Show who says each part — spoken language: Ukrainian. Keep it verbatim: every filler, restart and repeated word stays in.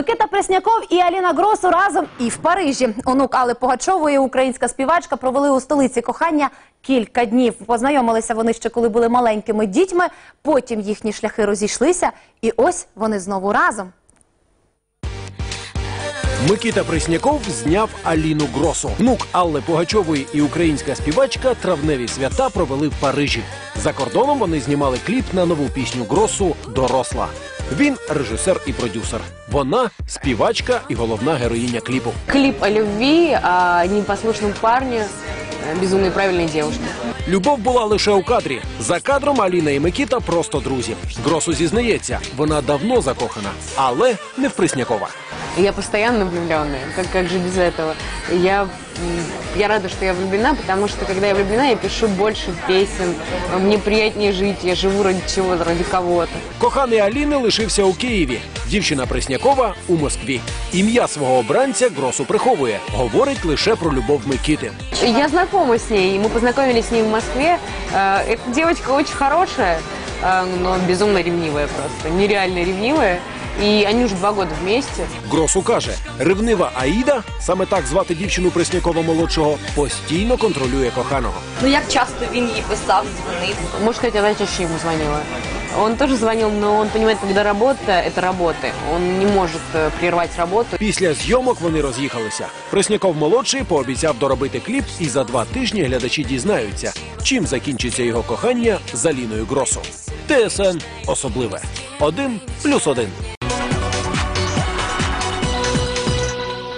Speaker 1: Микита Пресняков і Аліна Гросу разом і в Парижі. Онук Алли Пугачової, українська співачка, провели у столиці кохання кілька днів. Познайомилися вони ще коли були маленькими дітьми, потім їхні шляхи розійшлися, і ось вони знову разом.
Speaker 2: Микита Пресняков зняв Аліну Гросу. Внук Алли Пугачової і українська співачка травневі свята провели в Парижі. За кордоном вони знімали кліп на нову пісню Гросу «Доросла». Він режисер і продюсер. Вона співачка і головна героїня кліпу.
Speaker 3: Клип о любви, о непослушном парне, безумно правильной девушке.
Speaker 2: Любов була лише у кадрі. За кадром Аліна і Микита просто друзі. Гросу зізнається, вона давно закохана, але не в Преснякова.
Speaker 3: Я постоянно влюбленная, как, как же без этого. Я, я рада, что я влюблена, потому что, когда я влюблена, я пишу больше песен, мне приятнее жить, я живу ради чего-то, ради кого-то.
Speaker 2: Коханий Аліни лишився у Києві, дівчина Преснякова – у Москві. Ім'я свого обранця Гросу приховує, говорить лише про любов Микити.
Speaker 3: Я знакома с ней, мы познакомились с ней в Москве. Эта девочка очень хорошая, но безумно ревнивая просто, нереально ревнивая. І вони вже два роки вместе.
Speaker 2: Гросу каже, ревнива Аїда, саме так звати дівчину Преснякова-молодшого, постійно контролює коханого.
Speaker 4: Ну як часто він їй писав, дзвонив?
Speaker 3: Можно сказать, она чаще ему звонила. Он тоже звонил, но он понимает, когда работа – это работа. Он не может прервать работу.
Speaker 2: Після зйомок вони роз'їхалися. Пресняков-молодший пообіцяв доробити кліп, і за два тижні глядачі дізнаються, чим закінчиться його кохання з Аліною Гросу. ТСН особливе. Один плюс один.